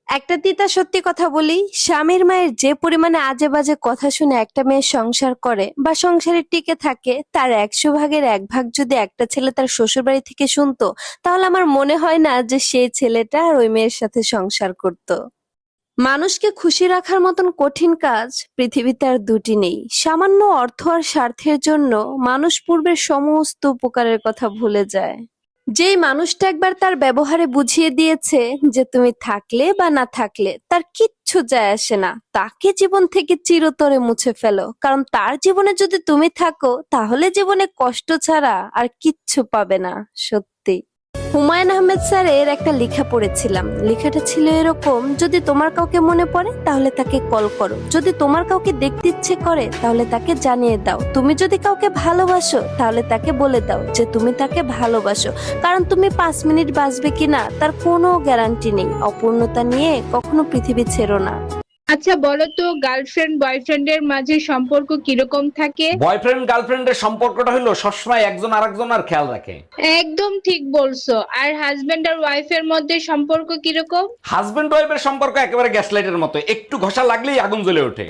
একটা তিতা সত্যি কথা বলি, স্বামীর মায়ের যে পরিমাণে আজে বাজে কথা শুনে একটা মেয়ে সংসার করে বা সংসারে টিকে থাকে, তার 100 ভাগের 1 ভাগ যদি একটা ছেলে তার শ্বশুর বাড়ি থেকে শুনতো, তাহলে আমার মনে হয় না যে সেই ছেলেটা আর ওই মেয়ের সাথে সংসার করত। মানুষকে খুশি রাখার মতন কঠিন কাজ পৃথিবীতে আর দুটি নেই। সামান্য অর্থ আর স্বার্থের জন্য মানুষ পূর্বের সমস্ত উপকারের কথা ভুলে যায়। যেই মানুষটা একবার তার ব্যবহারে বুঝিয়ে দিয়েছে যে তুমি থাকলে বা না থাকলে তার কিচ্ছু যায় আসে না, তাকে জীবন থেকে চিরতরে মুছে ফেলো। কারণ তার জীবনে যদি তুমি থাকো, তাহলে জীবনে কষ্ট ছাড়া আর কিচ্ছু পাবে না। সত্যি। হুমায়ুন আহমেদ স্যারের একটা লেখা পড়েছিলাম। লেখাটা ছিল এরকম: যদি তোমার কাউকে মনে পড়ে তাহলে তাকে কল করো, যদি তোমার কাউকে দেখতে ইচ্ছে করে তাহলে তাকে জানিয়ে দাও, তুমি যদি কাউকে ভালোবাসো তাহলে তাকে বলে দাও যে তুমি তাকে ভালোবাসো। কারণ তুমি 5 মিনিট বাঁচবে কিনা তার কোনো গ্যারান্টি নেই। অপূর্ণতা নিয়ে কখনো পৃথিবী ছেড়ো না। আচ্ছা বলো তো, গার্লফ্রেন্ড বয়ফ্রেন্ডের মাঝে সম্পর্ক কিরকম থাকে? বয়ফ্রেন্ড গার্লফ্রেন্ডের সম্পর্কটা হলো সবসময় একজন আরেকজন আর খেয়াল রাখে। একদম ঠিক বলছো। আর হাজবেন্ড আর ওয়াইফের মধ্যে সম্পর্ক কিরকম? হাজবেন্ড ওয়াইফের সম্পর্ক একেবারে গ্যাস লাইটের মতো, একটু ঘষা লাগলেই আগুন জ্বলে ওঠে।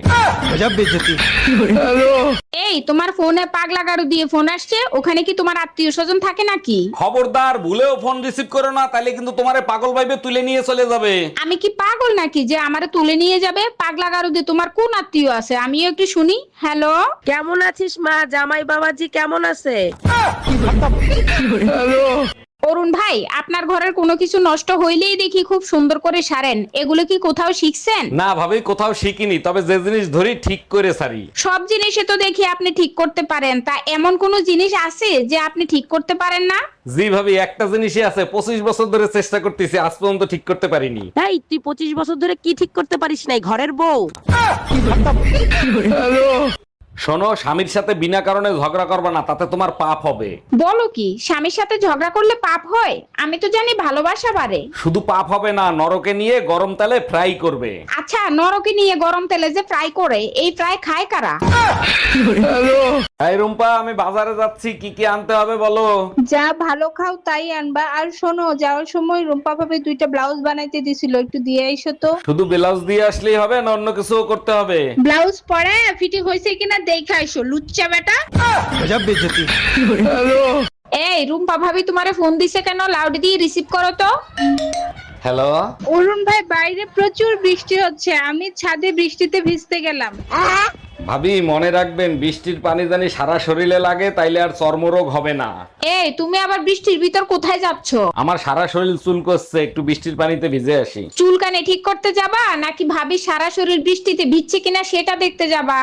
এই, তোমার ফোনে পাগলা গারু দিয়ে ফোন আসছে, ওখানে কি তোমার আত্মীয় স্বজন থাকে নাকি? খবরদার, ভুলেও ফোন রিসিভ করো না, তাহলে কিন্তু তোমারে পাগল ভাইবে তুলে নিয়ে চলে যাবে। আমি কি পাগল নাকি যে আমারে তুলে নিয়ে যাবে? পাগলা গারু দিয়ে তোমার কোন আত্মীয় আছে আমিও একটু শুনি। হ্যালো। কেমন আছিস মা? জামাই বাবাজি কেমন আছে? অরুণ ভাই, আপনার ঘরের কোনো কিছু নষ্ট হইলেই দেখি খুব সুন্দর করে সারেন, এগুলো কি কোথাও শিখছেন? না ভাবি, কোথাও শিখিনি, তবে যে জিনিস ধরি ঠিক করে সারি। সব জিনিসে তো দেখি আপনি ঠিক করতে পারেন, তা এমন কোন জিনিস আছে যে আপনি ঠিক করতে পারেন না? জি ভাবি, একটা জিনিসই আছে, 25 বছর ধরে চেষ্টা করতেছি, আজ পর্যন্ত ঠিক করতে পারিনি। এই তুই 25 বছর ধরে কি ঠিক করতে পারিস নাই? ঘরের বউ। শোনো, স্বামীর সাথে বিনা কারণে ঝগড়া করবে না, তাতে তোমার পাপ হবে। বলো কি, স্বামীর সাথে ঝগড়া করলে পাপ হয়? আমি তো জানি ভালোবাসা বাড়ে। শুধু পাপ হবে না, নরকে নিয়ে গরম তেলে ফ্রাই করবে। আচ্ছা, নরকে নিয়ে গরম তেলে যে ফ্রাই করে, এই ফ্রাই খায় কারা? এই রুম্পা, আমি বাজারে যাচ্ছি, কি কি আনতে হবে বলো। যা ভালো খাও তাই আনবা। আর শোনো, যাওয়ার সময় রুম্পা ভাবে 2টা ব্লাউজ বানাইতে দিছিল, একটু দিয়ে আইসো তো। শুধু ব্লাউজ দিয়ে আসলেই হবে না অন্য কিছুও করতে হবে? ব্লাউজ পরে ফিটিং হয়েছে কিনা দেখে আইসো, লুচ্চা বেটা। এই, রুম্পা ভাবি তোমারে ফোন দিছে কেন? লাউড দিয়ে রিসিভ করো তো। হ্যালো। অরুণ ভাই, বাইরে প্রচুর বৃষ্টি হচ্ছে, আমি ছাদে বৃষ্টিতে ভিজতে গেলাম। ভাবি, মনে রাখবেন, বৃষ্টির পানি জানি সারা শরীরে লাগে, তাইলে আর চর্মরোগ হবে না। এই, তুমি আবার বৃষ্টির ভিতর কোথায় যাচ্ছ? আমার সারা শরীর চুল করছে, একটু বৃষ্টির পানিতে ভিজে আসি। চুলকানি ঠিক করতে যাবা নাকি ভাবি সারা শরীর বৃষ্টিতে ভিজছে কিনা সেটা দেখতে যাবা?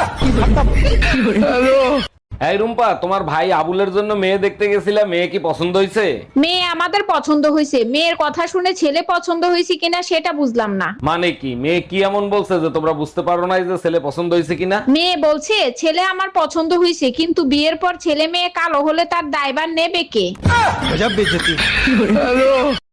এই রুম্পা, তোমার ভাই আবুলের জন্য মেয়ে দেখতে গেছিলা, মেয়ে কি পছন্দ হয়েছে? মেয়ে আমাদের পছন্দ হয়েছে, মেয়ের কথা শুনে ছেলে পছন্দ হয়েছে কিনা সেটা বুঝলাম না। মানে কি, মেয়ে কি এমন বলছে যে তোমরা বুঝতে পারো না যে ছেলে পছন্দ হয়েছে কিনা? মেয়ে বলছে ছেলে আমার পছন্দ হয়েছে, কিন্তু বিয়ের পর ছেলে মেয়ে কালো হলে তার দায়ভার নেবে কে?